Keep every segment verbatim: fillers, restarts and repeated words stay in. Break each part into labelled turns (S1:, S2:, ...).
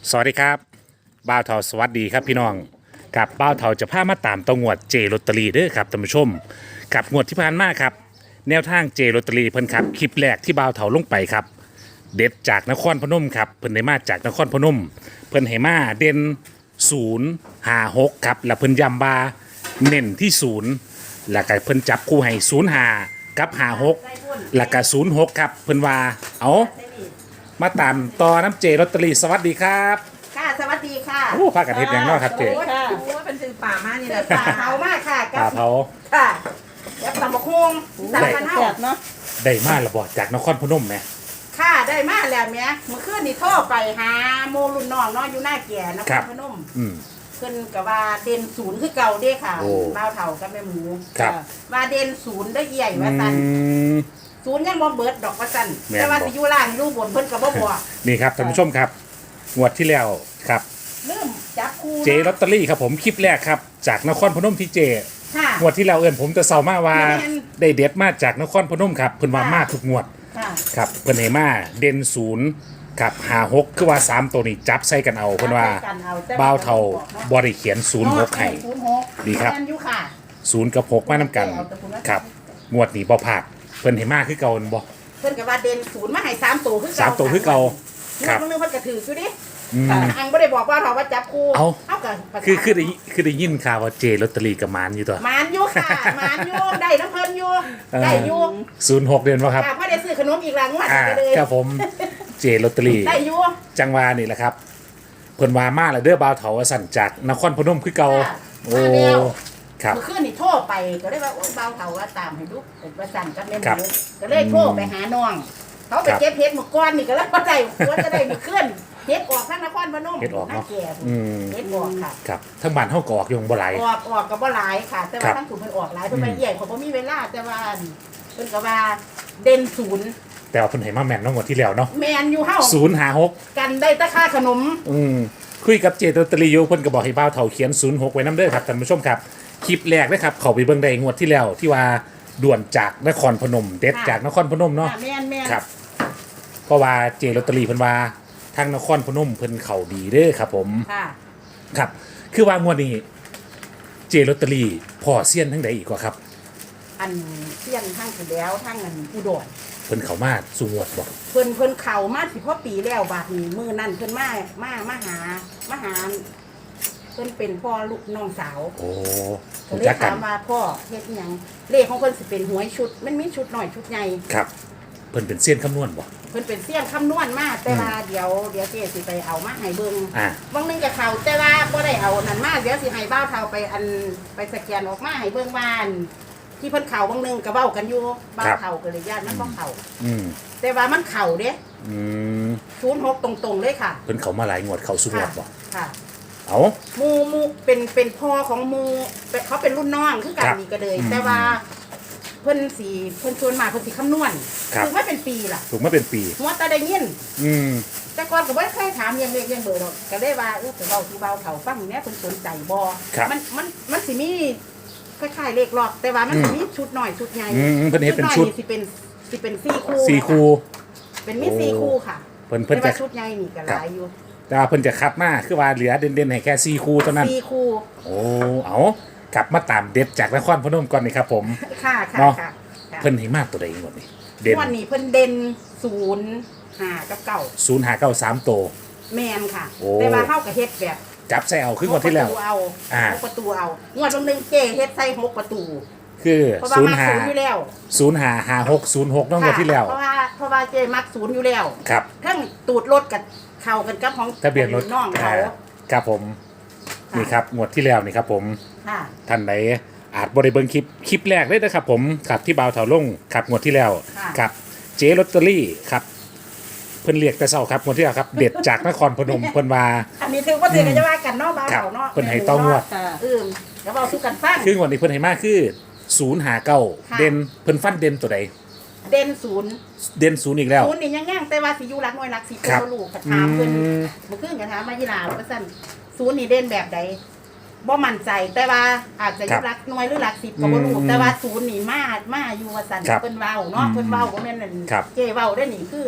S1: สวัสดีครับบ้าวเทาสวัสดีครับพี่น้องกับบ้าวเทาจะพามาตามตองวดเจลอตเตอรี่เด้อครับท่านผู้ชมกับงวดที่ผ่านมาครับแนวทางเจลอตเตอรี่เพิ่นครับคลิปแรกที่บ้าวเทาลงไปครับเด็ดจากนครพนมครับเพิ่นได้มาจากนครพนมเพิ่นให้มาเด่นศูนย์ห้าหกครับแล้วเพิ่นย้ำบาเน้นที่ศูนย์แล้วก็เพิ่นจับคู่ให้ศูนย์ห้ากับห้าหกแล้วก็ศูนย์หกครับเพิ่นว่าเอามาตามต่อน้ำเจลอตเตอรี่สวัสดีครับ
S2: ค่ะสวัสดีค่ะ
S1: โอ้พากันเฮ็ดหยังเนาะครับเจ๊
S2: โอ้ย
S3: โอ้ยเป็นสื่อป่ามากนี่แหละ
S2: ป่าเผามากค่ะ
S1: ปลาเผา
S2: ค่ะแล้วตำบักฮวงสามพัน
S3: แส
S2: เท่า
S3: บเนาะ
S1: ได้มาระบอดจากนครพนมไหม
S2: ค่ะได้มาแล้วแม่เมื่อคืนนี่โทรไปหาโมรุ่นน้องเนาะอยู่หน้าแก่นครพนม
S1: อืม
S2: เพิ่นก็ว่าเด่นศูนย์คือเก่าเด้ค่ะ
S1: โอ้
S2: บ้าวเฒ่ากับแม่หมู
S1: ครับ
S2: ว่าเด่นศูนย์ได้เอี่ยว่าซั่น
S1: อืม
S2: ศูนย์ยังบ่เบิดดอกว่าซั่น
S1: แม่นบ่
S2: แต่ว่าสิอยู่ล่างอยู่บนเพิ่นก็บ่บอก
S1: นี่ครับท่านผู้ชมครับงวดที่แล้วครับ
S2: เริ่มจับคู่
S1: เจลอตเตอรี่ครับผมคลิปแรกครับจากนครพนมที่เจ
S2: ค่ะ
S1: งวดที่แล้วเอิ้นผมจะเซามาว่า
S2: แม่น
S1: ได้เด็ดมาจากนครพนมครับเพิ่นว่ามาทุกงวด
S2: ค่ะ
S1: ครับเพิ่นให้มาเด่นศูนย์กับหาหกคือว่าสามตัวนี้จับใส่กันเอาเพิ่นว่า
S2: จับใส่กันเอาแต่
S1: บ้าวเท่าบ่ได้เขียนศูนย์หกให้
S2: ศูนย์หก
S1: ดีครับ
S2: แม่นอยู่ค่ะ
S1: ศูนย์กับหกมานํกันครับงวดนี้บ่พลาดเพิ่นให้มาคือเก่าบ่
S2: เพิ่นก็ว่าเด่นศูนย์มาให้สามตัวคือเก่า
S1: สามตัวคือเก่าค
S2: ค
S1: รั
S2: รับ บนึงเพิ่นก็ถืออยู่ดิ
S1: อืม
S2: อังบ่ได้บอกว่าเขาว่าจับคู่
S1: เอ้า
S2: เอาก็ประสาน
S1: คือคือได้คือได้ยินข่าวว่าเจลอตเตอรี่กับหมานอยู่ตัว
S2: หมานอยู่ค่ะหมานอยู่ได้น้ำเพิ่นอยู่ได้อยู่
S1: ศูนย์หกเดือนวะครับ
S2: ค่ะพอได้ซื้อขนมอีกหลังวัด
S1: อ่า
S2: ไปเลย
S1: ครับผมเจลอตเตอรี่
S2: ได้อยู่
S1: จังหวานี่แหละครับเพิ่นว่ามาแล้วเด้อบาวเถาว่าสั่นจากนครพนมคือเก่า
S2: ค่ะ
S1: โอ้
S2: มาแล้ว
S1: ครับ
S2: เมื่อคืนนี่โทรไปก็เลยว่าโอ้ยเบาเฒ่าว่าตามให้ดูเป็นประสันกับแม่ห
S1: ครับ
S2: มูก็เลยโทรไปหาน้องเขาไป
S1: ครับ
S2: เก็บเห็ดเมื่อก่อนนี่ก็แล้วบ่ได้ควรจะได้เมื่อคืนเห็ดออกทั้งนครพนม
S1: เฮ็ดออกเนาะ
S2: แก่
S1: อืม
S2: เห็ดออกค่ะ
S1: ครับทั้งบ้านเฮาก็ออกอยู่บ่หลาย
S2: ออกออกกับว่าหลายค่ะ แต่
S1: ครั
S2: ว่า
S1: บ
S2: ทั้งถูกเพิ่นออกหลายเพิ่นไป
S1: อืม
S2: ใหญ่เขาบ่มีเวลาแต่ว่าเพิ่นก็ว่าเด่นศูนย์
S1: แต่ว่าเพิ่นให้มาแม่นเนาะงวดที่แล้วเนาะ
S2: แมนอยู่เฮา
S1: ศูนย์หาหก
S2: กันได้แตะค่าขนม
S1: อืมคุยกับเจลอตเตอรี่อยู่เพิ่นก็บอกให้บ่าวเถาเขียนศูนย์หกไว้นํเด้อครับท่านผู้ชมครับคลิปแรกนะครับเข้าไปเบิ่งได้งวดที่แล้วที่ว่าด่วนจากนครพนมเด็ดจากนครพนมเนาะ
S2: ค่ะแม่นแม่น
S1: ครับเพราะว่าเจลอตเตอรี่เพิ่นว่าทางนครพนมเพิ่นเข้าดีเด้อครับผม
S2: ค่ะ
S1: ครับคือว่างวดนี้เจลอตเตอรี่พ่อเซียนทั้งใดอีกว่าครับ
S2: อันเที่ยงทั้งที่แล้วทั้งอันอุดร
S1: เพิ่นเข้ามาสู่งวดบ่
S2: เพิ่นเพิ่นเข้ามาสิพอปีแล้วบาดนี้มื้อนั้นเพิ่นมามามาหามาหาเพิ่นเป็นพ่อลูกน้องสาว
S1: โอ้
S2: ก็
S1: รู้
S2: เลย
S1: จักกั
S2: ถาน มว่าพ่อเฮ็ดอิหยังเลขของเพิ่นสิเป็นหวยชุด มันมีชุดน้อยชุดใหญ่
S1: ครับ เพิ่นเป็นเซียนคำนวณบ่
S2: เพิ่นเป็นเสี้ยนคำนวณมาแต่ว่าเดี๋ยวเดี๋ยวเจ๊สิไปเอามาให้เบิ่ง
S1: อ่า
S2: บางนึงกับเขาแต่ว่าบ่ได้เอานั่นมาเดี๋ยวสิให้บ้าวเฒ่าไปอันไปสแกนออกมาให้เบิ่งบ้าน ที่เพิ่นเขาบางนึงก็เว้ากันอยู่บ้าวเฒ่าก็เลยญาติมันบ่เข้า
S1: อืม
S2: แต่ว่ามันเข้าเด้
S1: อืม
S2: ศูนย์หกตรงๆเลยค่ะ
S1: เพิ่นเข้ามาหลายงวดเข้าสู่งว
S2: ค่ะ
S1: ดบ่
S2: ค่ะ
S1: เอ้า
S2: หมูหมูเป็นเป็นพ่อของหมูเป็นเขาเป็นรุ่นน้องคือกัน
S1: ครับ
S2: นี่ก็เลย
S1: อืม
S2: แต่ว่าเพิ่นสิเพิ่นชวนมาเพิ่นสิคำนวณ
S1: ครับ
S2: ถึงว่าเป็นปีล่ะ
S1: ถูกมาเป็นปี
S2: หัวตาได้ยิน
S1: อืม
S2: แต่ก่อนก็บ่เคยถามเรื่องเลขเรื่องเบอร์หรอกก็ได้ว่าเออไปเว้าสู่เบาเฒ่าฟังแหน่เพิ่นสนใจบ่
S1: ครับ
S2: มันมันมันสิมีคล้ายๆเลขรอบแต่ว่ามันสิมีชุดน้อยชุดใหญ่
S1: อืมเพิ่นเฮ็ดเป็นชุด
S2: อยสิเป็นสิเป็นสี่คู่
S1: สี่คู่
S2: เป็นมี
S1: โอ้
S2: สี่คู่ค่ะ
S1: เพิ่นเพิ่น
S2: แต่
S1: จะ
S2: ว่าชุดใหญ่นี่ก็หลายอยู่
S1: แต่ว่าเพิ่นจะคัดมาคือว่าเหลือเด่นๆให้แค่สี่คู่เท่านั้น
S2: สี่คู่
S1: โอ้เอากลับมาตามเด็ดจากนครพนมก่อนนี่ครับผม
S2: ค่ะค่ะ
S1: เนาะ
S2: ค่ะค่ะ
S1: เพิ่นให้มาตัวใดงวดนี้เด่น
S2: วันนี้เพิ่นเด่นศูนย์ห้ากับเก้า
S1: ศูนย์หาเก้าสามตัว
S2: แมนค่ะ
S1: โอ้
S2: แต่ว่าเฮาก็เฮ็ดแบบ
S1: จับใส่เอาคืองวดที่แล้ว
S2: หกประตูเอา
S1: อ่า
S2: หกประตูเอางวดบางนึงเจ้เฮ็ดใส่หกประตู
S1: คือ
S2: เพราะว่า
S1: ศูน
S2: มั
S1: ย์
S2: ก
S1: หา
S2: ศูนย์อยู่แล้ว
S1: ศูนย์หาหาหกศูนย์หกน้องงวดที่แล้ว
S2: เพราะว่าเพราะว่าเจ้มักศูนย์อยู่แล้ว
S1: ครับ
S2: ทั้งตูดรถกับเข้ากันกับของ
S1: ทะเบียนรถ
S2: น้องเขา
S1: อ่าครับผมนี่ครับงวดที่แล้วนี่ครับผม
S2: ค่ะ
S1: ท่านไหนอาจบริเบิงคลิปคลิปแรกเลยนะครับผมครับที่บ่าวเถาลงครับงวดที่แล้ว
S2: ค่ะ
S1: ครับเจลอตเตอรี่ครับเพิ่นเรียกแต่เช้าครับงวดที่แล้วครับเด็ดจากนครพนมเพิ่นว่า
S2: อันนี้ถือว่าถือกันจะว่ากันเนาะบ่าว
S1: ครับ
S2: เขาเนาะ
S1: เพิ่นให้ต้องงวด
S3: ค่ะ
S2: เออแล้วเอาสู้กันฟัง
S1: คืองวดนี้เพิ่นให้มาคือศูนย์หาเก้า
S2: ค่ะ
S1: เด่นเพิ่นฟันเด่นตัวใด
S2: เด่นศูนย์
S1: เด่นศูนย์อีกแล้ว
S2: ศูนย์นี่ยังย่างแต่ว่าสิอยู่รักน้อยรักสิ
S1: ครับ
S2: เป็นลูกกระถามเพิ่น
S1: อืม
S2: เมื่อคืนกระถามมายีลาว่าซั่นศูนย์นี่เด่นแบบใดบ่มั่นใจแต่ว่าอาจจะอยู่รักน้อยหรือรักสิบก็บ่รู้
S1: อืม
S2: แต่ว่าศูนย์นี่มามาอยู่ว่าซั่น
S1: ครับ
S2: เพิ่นเว้าเนาะ
S1: อืม
S2: เพิ่นเว้าบ่แม่นนั่น
S1: ครับ
S2: เจ้เว้าได้นี่คือ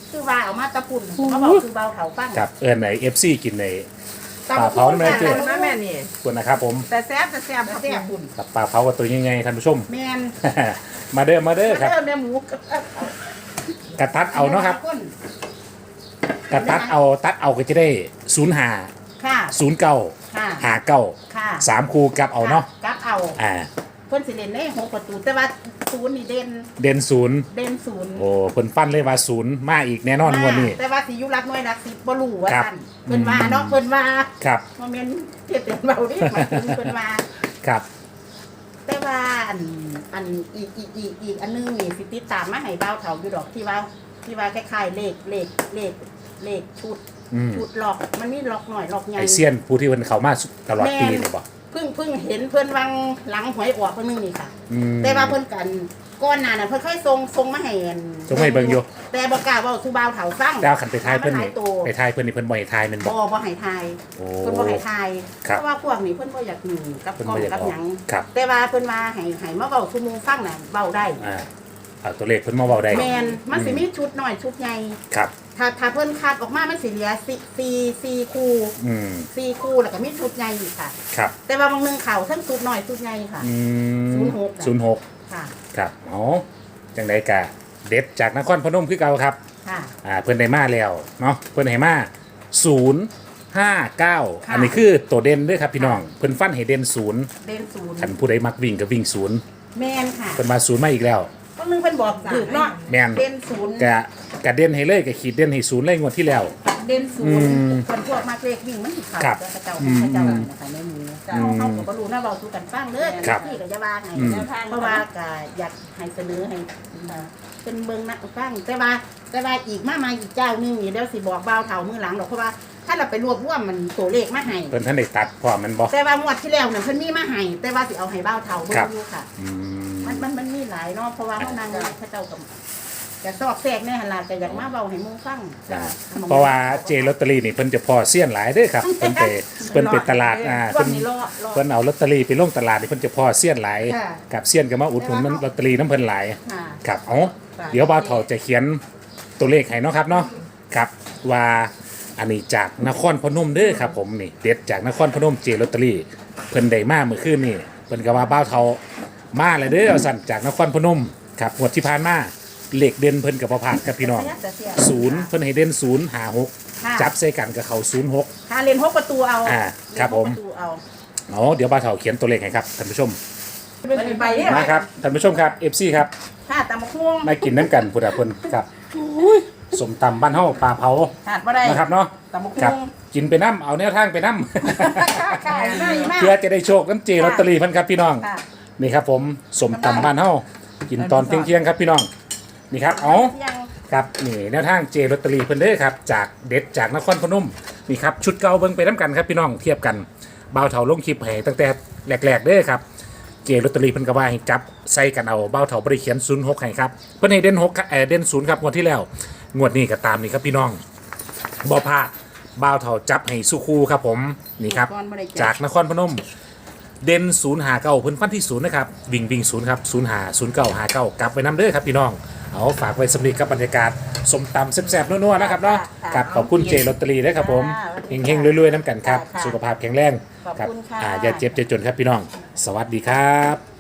S2: คือว่าเอามาตะปุ่นเขาบอกคือเบาเถาฟัง
S1: ครับเอิญไหนเอฟซีกินใน
S2: ตำ
S1: ปลา
S2: บัก
S1: เผา
S2: หุ่ง
S1: ไม่ได้เจอ
S2: ค่ะ
S3: นะแม่นี่
S1: ส่วนนะครับผม
S3: แต่แซ่บแต่แซ่บครับ
S2: แซ่บ
S3: คุณ
S1: กับปลาเผากับตัวยังไงท่านผู้ชม
S2: แมน
S1: มาเด้อมาเด้อครับ
S2: เริ่มในหมูกับ
S1: กระตัดเอาเนาะครับกระตัดเอาตัดเอาก็จะได้ศูนย์หา
S2: ค่ะ
S1: ศูนย์เก้า
S2: ค่ะ
S1: หาเก้า
S2: ค่ะ
S1: สามคูกลับเอาเนาะ
S2: กับเอา
S1: อ่า
S2: เพิ่นสิเล่นในหกประตูแต่ว่าศูนย์นี่เด่น
S1: เด่นศูนย์
S2: เด่นศูนย์
S1: โอ้เพิ่นฟันเลยว่าศูนย์มาอีกแน่นอนงวดนี้
S2: แต่ว่าสิอยู่รักน้อยรักสิบ่รู้ว่า
S1: ครับ
S2: ซั่นเพิ่นว่าเนาะเพิ่นว่า
S1: ครับ
S2: บ่แม่นเฮ็ดเป็นเบาดิหมายถึงเพิ่นว่า
S1: ครับ
S2: แต่ว่าอันอันอีกอีกอีกอีกอันนึงนี่สิติดตามมาให้เบาเฒ่าอยู่ดอกที่ว่าที่ว่าคล้ายๆเลขเลขเลขเลขชุด
S1: อืม
S2: ชุดล็อกมันมีล็อกหน่อยล็อกใหญ่
S1: ไอเซียนผู้ที่เพิ่นเข้ามาตลอดปีเลยบ่
S2: เพิ่งเพิ่งเห็นเพิ่นวังหลังหวยออกเพิ่นนึงนี่ค่ะ
S1: อืม
S2: แต่ว่าเพิ่นกันก้อนหน้าน่ะเพิ่นเคยส่งส่งมาให้อัน
S1: ส่งมาให้เบิ่งอยู่
S2: แต่บ่กล้าเว้าสู่บ่าวเฒ่าฟัง
S1: ดาวขันไปทายเพิ่น
S2: มัห
S1: นี่
S2: ลายตัว
S1: ไปทายเพิ่นนี่เพิ่นบ่ให้ทายแมันบ่
S2: บ่บ่ให้ทาย
S1: โอ้
S2: เพิ่นบ่ให้ทาย
S1: ครับ
S2: เพราะว่าพวกนี้เพิ่นบ่อยากหนีกับ
S1: เพิ่น
S2: กล้อ
S1: บ่
S2: ง
S1: อยาก
S2: กับ
S1: ออก
S2: หยัง
S1: ครับ
S2: แต่ว่าเพิ่นว่าให้ให้มาเว้าสู่หมู่ฟังน่ะเว้าได้
S1: อ่าเอาตัวเลขเพิ่นมาเว้าได้
S2: แม่นมันสิมีชุดน้อยชุดใหญ่
S1: ครับ
S2: ถ้าถ้าเพิ่นคัดออกมามันสิเหลือสี่สี่สี่คู่
S1: อืม
S2: สี่คู่แล้วก็มีชุดใหญ่อีกค่ะ
S1: ครับ
S2: แต่ว่าบางหนึงเข้าทั้งชุดน้อยชุดใหญ่ค่ะ
S1: อืม
S2: ศูนย์หก
S1: ศูนย์หก
S2: ค่ะ
S1: ครับอ๋อจังไดกะเด็ดจากนครพนมคือเก่าครับ
S2: ค่ะ
S1: อ่าเพิ่นได้มาแล้วเนาะเพิ่นให้มาศูนย์ห้าเก้า
S2: ค่ะ
S1: อันนี้คือตัวเด่นเด้วยครับพี่น้องเพิ่นฟันให้เด่นศูนย์
S2: เด่นศูนย์
S1: คันผู้ใดมักวิ่งก็วิ่งศูนย์
S2: แม่นค่ะ
S1: เพิ่นมาศูนย์มาอีกแล้ว
S2: บางหนึงเพิ่นบอกถูกเนาะ
S1: แม่น
S2: เด่นศูนย์
S1: กะกะเด่นให้เลยกะขีดเด่นให้ศูนย์เลยงวดที่แล้ว
S2: เด่นศู
S1: อื
S2: นย์
S1: ม
S2: คนพวกมากเลขวิ่งมันสิเข้า
S1: ครับ
S2: แต่เจ้า
S1: อื
S2: ข
S1: ม
S2: องเจ้านะคะในหมู่เจ้า
S1: อืม
S2: เฮาก็บ่รู้นะเว้าสู่กันฟังเด้อ
S1: ครับ
S2: ที่ก็จะว่าให้
S1: อืม
S2: เพราะว่าก็อยากให้เสนอให้เป็นเบิ่งนะฟังแต่ว่าแต่ว่าอีกมามาอีกเจ้าหนึงนี่เดี๋ยวสิบอกบ่าวเฒ่ามื้อหลังดอกเพราะว่าถ้าเราไปรวบรวมมันตัวเลขมาให้
S1: เพิ่นท่านได้ตัดพร้อมมันบ่
S2: แต่ว่างวดที่แล้วเนี่ยเพิ่นมีมาให้แต่ว่าสิเอาให้บ่าวเฒ่าเบิ่
S1: ครั
S2: ง
S1: บ
S2: อยู่ค่ะ
S1: อืม
S2: มันมันมันมีหลายเนาะเพราะว่าเฮานางพระเจ้ากับจะซอกแซกแน่หั่นล่ะก็อยากมาเว้าให้หมู่ฟัง
S1: อ่าเพราะว่าเจลอตเตอรี่นี่เพิ่นจะพอเสี้ยนหลายเด้อครับเพิ่นไปเพิ่นไปตลาดอ่า
S2: วั
S1: เพิ่
S2: น
S1: น
S2: นี้รอรอ
S1: เพิ่นเอาลอตเตอรี่ไปลงตลาดนี่เพิ่นจะพอเสี้ยนหลาย
S2: ค่ะ
S1: กับเสี้ยนก็มาอุดหนุนมันลอตเตอรี่น้ำเพิ่นหลาย
S2: ค่ะ
S1: ครับเอ๋อเดี๋ยวบ่าวเฒ่าจะเขียนตัวเลขให้เนาะครับเนาะครับว่าอันนี้จากนครพนมเด้อครับผมนี่เด็ดจากนครพนมเจลอตเตอรี่เพิ่นได้มาเมื่อคืนนี่เพิ่นก็ว่าบ่าวเฒ่ามาแล้วเด้อเอาสั่นจากนครพนมครับงวดที่ผ่านมาเลขเด่นเพิ่นกับบ่พลาดครับพี่น้องศูนย์เพิ่นให้เด่นศูนย์หาหก
S2: ค่ะ
S1: จับใส่กันกับเขาศูนย์หก
S2: ถ้าเล่นหกประตูเอา
S1: อ่าครับผม
S2: เล่นหกประตูเอา
S1: อ๋อเดี๋ยวบ่าวเฒ่าเขียนตัวเลขให้ครับท่านผู้ชม
S2: ไปเนี่ย
S1: มาครับท่านผู้ชมครับ เอฟ ซี ครับ
S2: ค่ะตำบักหุ่ง
S1: มากินน้ำกันพุทธพลครับสมตำบ้านเฮาปลาเผา
S2: ขาดบ่ได้
S1: นะครับเนาะ
S2: ตำบัก
S1: ครับ
S2: หุ่ง
S1: กินไปน้ำเอาแนวทางไปน้
S2: ขายง่าย
S1: ำ
S2: มาก
S1: เพื่อจะได้โชคน้ำเจลอตเตอรี่เพันครับพี่น้อง
S2: ค่ะ
S1: นี่ครับผมสมตำบ้านเฮากินตอนเที่ยงๆครับพี่น้องนี่ครับอ๋อ
S2: ยัง
S1: ครับนี่แนวทางเจลอตเตอรี่เพิ่นเด้อครับจากเด็ดจากนครพนมนี่ครับชุดเก่าเบิ่งไปน้ำกันครับพี่น้องเทียบกันบ่าวเฒ่าลงคลิปให้ตั้งแต่แรกๆเด้อครับเจลอตเตอรี่เพิ่นก็ว่าให้จับใส่กันเอาบ่าวเฒ่าบ่ได้เขียนศูนย์หกให้ครับเพิ่นให้เด่นหกเอ่อเด่นศูนย์ครับงวดที่แล้วงวดนี้ก็ตามนี่ครับพี่น้องบ่พลาดบ่าวเฒ่าจับให้สุคูครับผมนี่ครับจากนครพนมเด่นศูนย์หาเก้าเพิ่นฟันที่ศูนย์นะครับวิ่งวิ่งศูนย์ครับศูนย์หาศูนย์เก้าหาเก้ากลับไปนำเด้อครับพี่น้องเอาฝากไว้สำหรับกับบรรยากาศสมตำแซ่บๆนัวๆนะครับเนาะครับขอบคุณเจลอตเตอรี่ด้วยครับผมเฮงๆรวยๆน้ำกันครับสุขภาพแข็งแรง
S2: ขอบ
S1: ครับ
S2: คุณค่ะ
S1: อ่าอย่าเจ็บอย่าจนครับพี่น้อง สวัสดีครับ